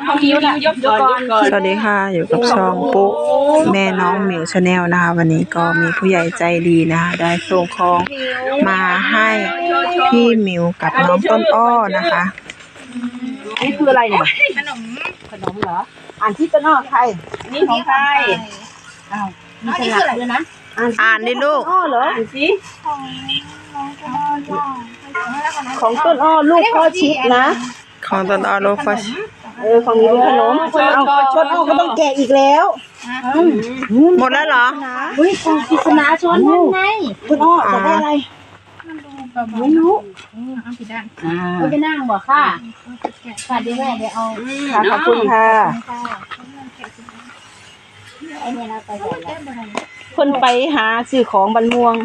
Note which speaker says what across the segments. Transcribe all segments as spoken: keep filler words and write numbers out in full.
Speaker 1: น้องมิวยกก่อนสวัสดีค่ะอยู่กับช่องปุ๊แม่น้องหมิวชาแนลนะคะวันนี้ก็มีผู้ใหญ่ใจดีนะคะได้ส่งของมาให้พี่หมิวกับน้องต้นอ้อนะคะ
Speaker 2: อันนี้คืออะไรเนี่ยขนมขนมเหรออ่านที่ต้นอ้อใครนี่ของใครอ้าวมีฉลากด้วยนะ
Speaker 1: อ่านดิลูก
Speaker 2: อ้อเหรออ่านสิของต้นอ้อลูกพ่อชิดนะ
Speaker 1: ของต้นอ้อลูกพ่อชิด
Speaker 2: เออของนี้เป็นขนมเอาต้นอ้อก็ต้องแกะอีกแล้ว
Speaker 1: หมดแล้วเหรอ
Speaker 2: เฮ้ยของกิษณาชนนั่นไงต้นอ้อจะได้อะไรไม่รู้เอาผิดด้านเอาไปนั่งบ่ค่ะค่ะเดี๋ยวแม่เดี๋ยวเอาค่ะขอบคุณค่ะไอ้เนี่ยเราไปคนไปหาซื้อของบันม่วง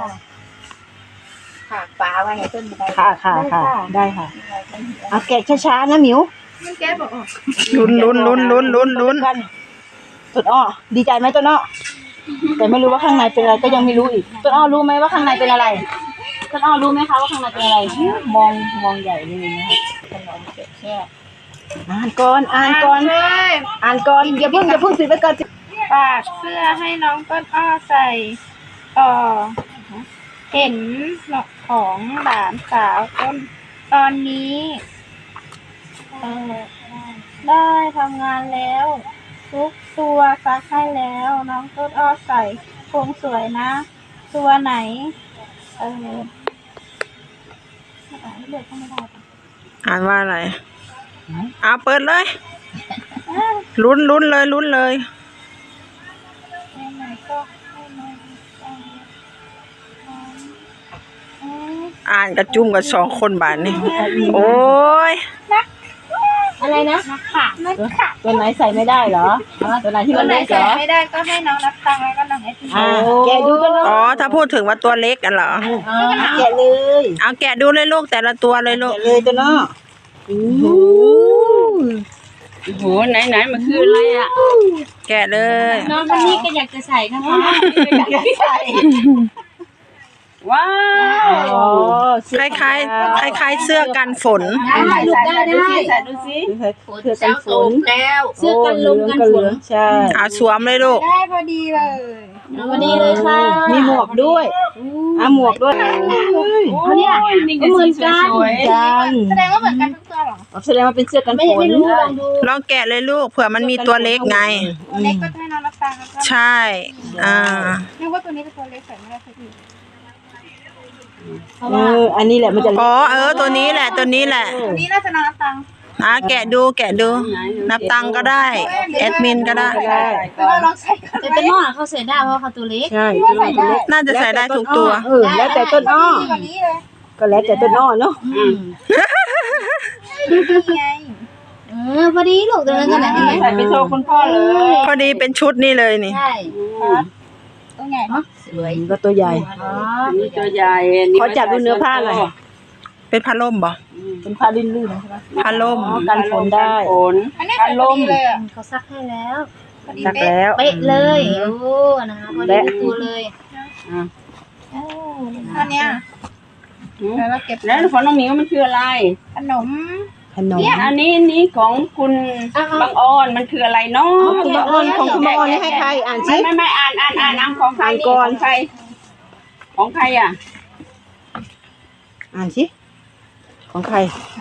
Speaker 2: ค่ะปลาไว้ให้ต้นค่ะค่ะค่ะได้ค่ะเอาแกะช้าๆนะหมิวมันแกะบอก
Speaker 1: ลุ้นลุ้นลุ้นลุ้นลุ้นลุ้น
Speaker 2: ต้นอ้อดีใจไหมต้นอ้อแต่ไม่รู้ว่าข้างในเป็นอะไรก็ยังไม่รู้อีกต้นอ้อรู้ไหมว่าข้างในเป็นอะไรต้นอ้อรู้ไหมคะว่าข้างในเป็นอะไรมองมองใหญ่เลยนะคะขนมแกะแค่อ่านก่อนอ่านก่อนอ่านก่อนอย่าเพิ่งอย่าเพิ่งปิดไว้ก่อน
Speaker 3: ฝากเสื้อให้น้องต้นอ้อใส่ต่อเห็นของหลานสาวต้นตอนนี้เออได้ทำงานแล้วทุกตัวซักให้แล้วน้องต้นอ้อใส่คงสวยนะตัวไหนเออ
Speaker 1: อ่านว่าอะไรเอาเปิดเลยลุ้นลุ้นเลยลุ้นเลยอ่านกระจุ่มกับสองคนบาทนี่โอ้ย
Speaker 2: อะไรนะ
Speaker 3: นักข่านักข่า
Speaker 2: ตัวไหนใส่ไม่ได้เหรอตัวไหนที่มันเล็กเหรอ
Speaker 3: ไม่ได้ก็ให้น้องนับตังแล้วก็น้องเอส
Speaker 2: แกะดูกันเลย
Speaker 1: อ๋อถ้าพูดถึงว่าตัวเล็กกันเหรอ
Speaker 2: แกะเลย
Speaker 1: เอาแกะดูเลยลูกแต่ละตัวเลยลูก
Speaker 2: แกะเลยตัวน้อโอ้โห
Speaker 4: โอ้โหไหนไหนมันคืออะไรอ่ะ
Speaker 1: แกะเลย
Speaker 3: น้องคนนี้ก็อยากจะใส่นะคะ
Speaker 2: อยากจะใส่
Speaker 4: ว้าว
Speaker 1: คล้ายคล้ายคล้ายคล้ายเสื้อกันฝน
Speaker 2: ได้ได้ได้ใส่ดูสิเสื้อกันฝน
Speaker 3: แล้วเสื้อกันลมกันฝน
Speaker 2: ใช่
Speaker 1: เอาสวมเลยลูก
Speaker 3: ได้พอดีเลย
Speaker 2: พอดีเลยค่ะมีหมวกด้วยอ่ะหมวกด้วย
Speaker 3: เขาเนี่ยเหมือนกันแสดงว่าเหมือนกันทุกตัวหรอ
Speaker 2: แสดงว่าเป็นเสื้อกันฝน
Speaker 1: ลองแกะเลยลูกเผื่อมันมีตัวเล็กไง
Speaker 3: ตัวเล็กก็ให้น้องรับตังแล้วก็
Speaker 1: ใช่อ่า
Speaker 3: นึกว่าตัวนี้เป็นตัวเล็กใส่ไม่ได้สักที
Speaker 2: เอออันนี้แหละมันจะ
Speaker 1: อ๋อเออตัวนี้แหละตัวนี้แหละ
Speaker 3: ตัวนี้น่าจะนับตังค์
Speaker 1: อ่ะแกะดูแกะดูนับตังค์ก็ได้แอดมินก็ได้
Speaker 3: แต่ว่าลองใส่แต่เป็นหม้อเขาใส่ได้เพราะเขาตัวเล็ก
Speaker 2: ใช่
Speaker 1: น่าจะใส่ได้ทุกตัว
Speaker 2: เออแล้วแต่ต้นอ้อก็แล้วแต่ต้นอ้อเนาะ
Speaker 3: เออพอดีลูกตัวนั้นกันไหน
Speaker 2: ใส่ไปโชว์คุณพ่อเลย
Speaker 1: พอดีเป็นชุดนี่เลยนี่
Speaker 3: ใช่ตัวใหญ่เนาะ
Speaker 2: สวยก็ตัวใหญ่
Speaker 4: นี่ตัวใหญ่
Speaker 2: ขอจับดูเนื้อผ้าหน่อย
Speaker 1: เป็นผ้าล่มบ่
Speaker 2: เป็นผ้าลื่นๆใช่ไหม
Speaker 1: ผ้าล่ม
Speaker 2: กันฝนได้
Speaker 3: ผ้าล่มเขาซักให้แล้ว
Speaker 2: ซักแล้ว
Speaker 3: เป๊ะเลยโอ้นะคะพอดีตัวเลยอันเนี้ย
Speaker 4: แล้วเราเก็บแล้วของน้องหมิวมันคืออะไร
Speaker 3: ขนม
Speaker 2: ขนม
Speaker 4: อันนี้นี้ของคุณบางอ้อนมันคืออะไรเนาะ
Speaker 2: คุณบางอ้อนของคุณบางอ้อนนี่ให้ใครอ่านสิ
Speaker 4: ไม่ไม่อ่านอ่านอ่านอ่านของใครก่อนใครของใครอ่ะ
Speaker 2: อ่านสิของใคร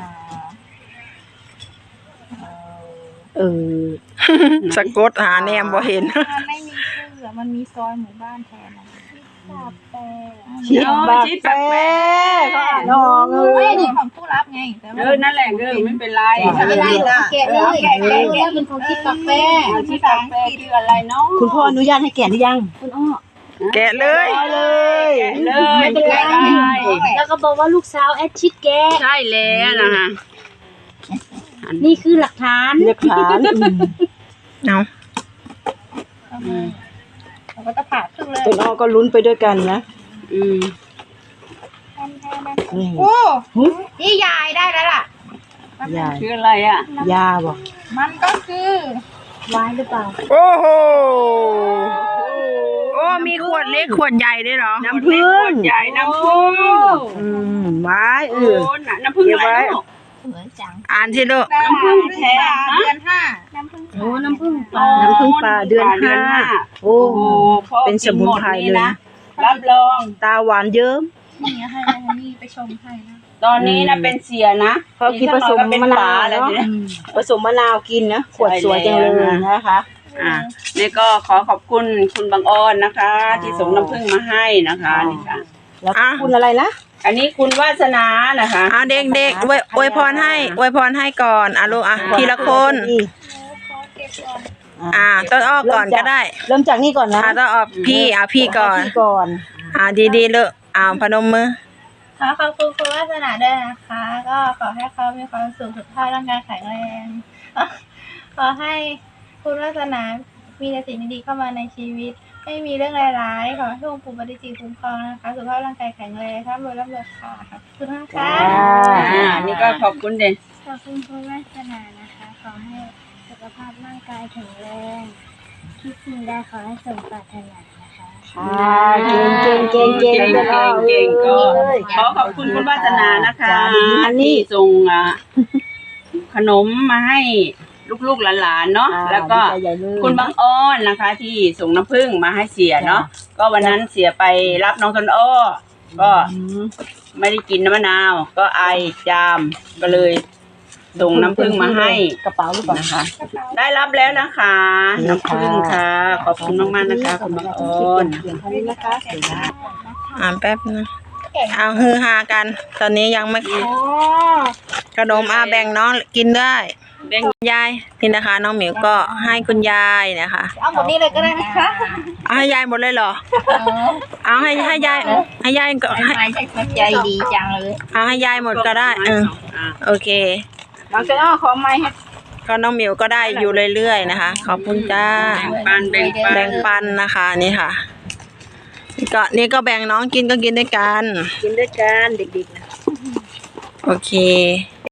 Speaker 2: เออ
Speaker 1: สะกดหาแนมบ่เห็น
Speaker 3: มันไม่มีชื่อมันมีซอยหมู่บ้านแทน
Speaker 2: ชิดบาแปเขาอ่านอ
Speaker 3: งเลยนี่ของผู้รับไง
Speaker 4: เออนั่นแหละเออไม่เป็นไร
Speaker 3: ไม่เป็นไรแกะเลยแกะเลยเป็นของชิดบาแป
Speaker 4: ชิดบาแปคืออะไรเนาะ
Speaker 2: คุณพ่ออนุญาตให้แกะหรือยังคุณอ้อ
Speaker 1: แกะเลย
Speaker 2: เลย
Speaker 4: เลย
Speaker 3: ไม่เป็นไรแล้วก็บอกว่าลูกสาวแอดชิดแกะ
Speaker 4: ใช่แล้วนะคะ
Speaker 3: นี่คือหลักฐาน
Speaker 2: หลักฐาน
Speaker 1: เอา
Speaker 3: เราก็จะผ่าครึ่งเลย
Speaker 2: ต้นอ้อก็ลุ้นไปด้วยกันนะ
Speaker 4: อืม
Speaker 3: โอ้นี่ยายได้แล้วล่ะ
Speaker 2: ยา
Speaker 4: คืออะไรอ่ะ
Speaker 2: ยาบอก
Speaker 3: มันก็คือวายหรือเปล่า
Speaker 1: โอ้โหโอ้มีขวดเล็กขวดใหญ่ด้วยเหรอ
Speaker 4: น้ำผึ้งใหญ่น้ำผึ้ง
Speaker 2: อืมไม้เออ
Speaker 4: น้ำผึ้งอะไร
Speaker 3: เหมือนจัง
Speaker 1: อ่านสิลูก
Speaker 4: น้ำผึ้งแท้
Speaker 3: เดือนห้า
Speaker 2: โอ้น้ำผึ้งปลาน้ำผึ้งปลาเดือนห้าโอ้
Speaker 4: โอ้พ่อ
Speaker 2: เป็นสมุนไพรเลยนะ
Speaker 4: รับรอง
Speaker 2: ตาหวานเยิ้ม
Speaker 3: นี่ให้แล้วนี่ไปชมให้นะ
Speaker 4: ตอนนี้นะเป็นเสียนะ
Speaker 2: เขากินผสม
Speaker 4: เป็น
Speaker 2: มะนาว
Speaker 4: แล้ว
Speaker 2: เนาะ
Speaker 4: เนี่ย
Speaker 2: ผสมมะนาวกินนะขวดสวยจังเลยนะคะ
Speaker 4: อ่านี่ก็ขอขอบคุณคุณบางอ้อนนะคะ ที่ส่งน้ำผึ้งมาให้นะคะนี่ค่ะ
Speaker 2: แล้วคุณอะไรนะ
Speaker 4: อันนี้คุณวาสนานะคะ
Speaker 1: อ่ะเด็กๆอวยอวยพรให้อวยพรให้ก่อนอ่ะลูกอ่ะทีละคน
Speaker 3: ขอเก็บก่อน
Speaker 1: อ่าต้นอ้อก่อนก็ได้
Speaker 2: เริ่มจากนี่ก่อนนะ
Speaker 1: อ่าต้นอ้อพี่อ่ะพี่ก่อน
Speaker 2: พี่ก่อน
Speaker 1: อ่าดีๆเลยอ่าพนมมือ
Speaker 3: ขอขอบคุณคุณวาสนาด้วยนะคะ ก็ขอให้เขามีความสุขสุขภาพร่างกายแข็งแรง ขอให้คุณวาสนามีแต่สิ่งดีๆเข้ามาในชีวิต ไม่มีเรื่องร้ายๆขอให้องค์ปู่ปฏิจิตรคุ้มครองนะคะสุขภาพร่างกายแข็งแรงร่ำรวยร่ำรวยค่ะขอบคุณมากค่ะ
Speaker 4: อ่านี่ก็ขอบคุณเด่น
Speaker 3: ขอบคุณคุณวาสนานะคะ ขอให้สุขภาพร่างกายแข็งแรงคิดสิ่งใดขอให้สมปรารถนานะคะ
Speaker 2: ค่ะเก่งเก่งเก่งเก่ง
Speaker 4: เก่งเก่งเก่งก็ขอขอบคุณคุณวาสนานะคะที่ส่งอ่ะขนมมาให้ลูกๆหลานๆเนาะแล้วก็คุณบางอ้อนนะคะ ที่ส่งน้ำผึ้งมาให้เสียเนาะก็วันนั้นเสียไปรับน้องต้นอ้อก็ไม่ได้กินน้ำมะนาว ก็ไอจามก็เลยส่งน้ำผึ้งมาให้
Speaker 2: กระเป๋าหรือเปล่า
Speaker 4: นะคะ ได้รับแล้วนะคะน้ำผึ้งค่ะ ขอบคุณมากๆนะคะคุณบางอ้อน
Speaker 2: เพียงเท่านี้นะคะเดี๋ยวนะ
Speaker 1: อ่าแป๊บนะเอาฮือฮากัน ตอนนี้ยังไม่ขนมอาแบ่งน้องกินได้
Speaker 4: แบ่ง
Speaker 1: ยายนี่นะคะ น้องหมิวก็ให้คุณยายนะคะ
Speaker 3: เอาหมดนี้เลยก็ได้ไหมคะ
Speaker 1: เอาให้ยายหมดเลยเหรอเอาให้ให้ยายให้ยายก็ให้
Speaker 3: ใจดีจังเลย
Speaker 1: เอาให้ยายหมดก็ได้เออ
Speaker 4: อ่า
Speaker 1: โอเค
Speaker 4: น้องต้นอ้อขอไม้ให้
Speaker 1: ก็น้องหมิวก็ได้อยู่เรื่อยๆนะคะ ขอบคุณจ้า
Speaker 4: แบ่งปันแบ่งปัน
Speaker 1: แบ่งปันนะคะนี่ค่ะนี่ก็นี่ก็แบ่งน้องกินก็กินด้วยกัน
Speaker 2: กินด้วยกันเด็กๆ
Speaker 1: โอเค